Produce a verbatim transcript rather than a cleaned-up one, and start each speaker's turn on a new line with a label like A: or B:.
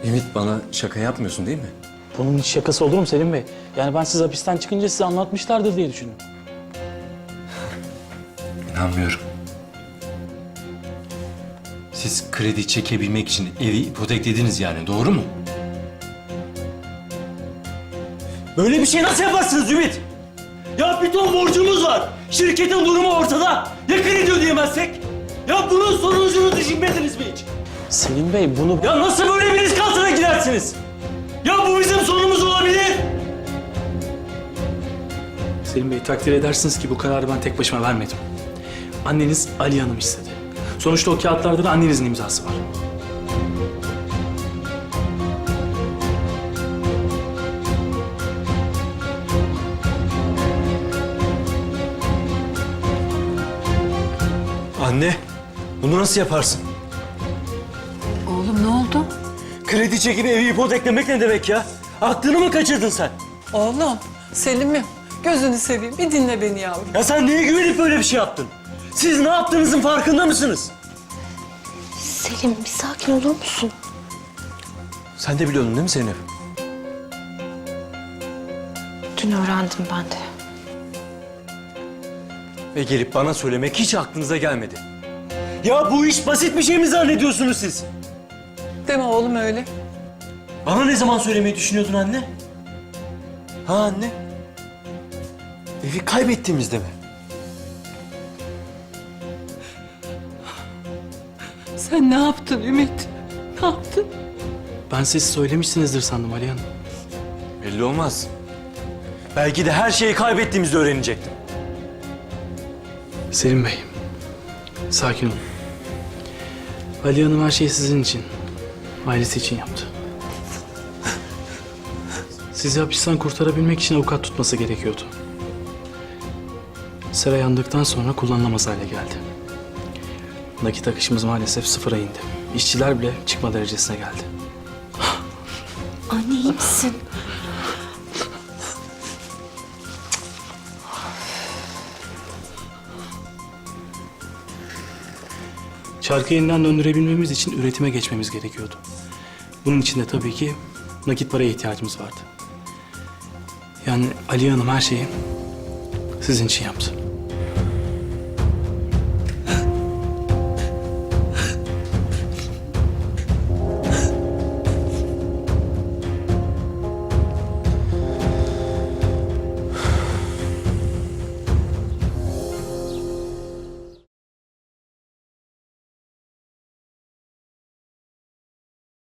A: Ümit, bana şaka yapmıyorsun değil mi?
B: Bunun hiç şakası olur mu Selim Bey? Yani ben siz hapisten çıkınca size anlatmışlardır diye düşündüm.
A: İnanmıyorum. Siz kredi çekebilmek için evi ipoteklediniz yani, doğru mu?
C: Böyle bir şey nasıl yaparsınız Ümit? Ya bir ton borcumuz var. Şirketin durumu ortada. Ya kredi ödeyemezsek? Ya bunun sonucunu düşünmediniz mi hiç?
B: Selim Bey bunu...
C: Ya nasıl böyle bir risk altına girersiniz? Ya bu bizim sonumuz olabilir.
B: Selim Bey takdir edersiniz ki bu kararı ben tek başıma vermedim. Anneniz Ali Hanım istedi. Sonuçta o kağıtlarda da annenizin imzası var.
C: Anne, bunu nasıl yaparsın?
D: Oğlum ne oldu?
C: Kredi çekip evi ipoteklemek ne demek ya? Aklını mı kaçırdın sen?
D: Oğlum, Selim'im gözünü seveyim bir dinle beni yavrum.
C: Ya sen neye güvenip böyle bir şey yaptın? Siz ne yaptığınızın farkında mısınız?
E: Selim bir sakin olur musun?
C: Sen de biliyordun değil mi Zeynep?
E: Dün öğrendim ben de.
C: Ve gelip bana söylemek hiç aklınıza gelmedi. Ya bu iş basit bir şey mi zannediyorsunuz siz?
D: Deme oğlum öyle.
C: Bana ne zaman söylemeyi düşünüyordun anne? Ha anne? Evi kaybettiğimizde mi?
D: Sen ne yaptın Ümit? Ne yaptın?
B: Ben siz söylemişsinizdir sandım Ali Hanım.
C: Belli olmaz. Belki de her şeyi kaybettiğimizde öğrenecektim.
B: Selim Bey, sakin olun. Ali Hanım her şeyi sizin için, ailesi için yaptı. Sizi hapisten kurtarabilmek için avukat tutması gerekiyordu. Sera yandıktan sonra kullanılamaz hale geldi. Nakit akışımız maalesef sıfıra indi. İşçiler bile çıkma derecesine geldi.
E: Anne iyi misin?
B: Çarkı yeniden döndürebilmemiz için üretime geçmemiz gerekiyordu. Bunun için de tabii ki nakit paraya ihtiyacımız vardı. Yani Ali Hanım her şeyi sizin için yaptı.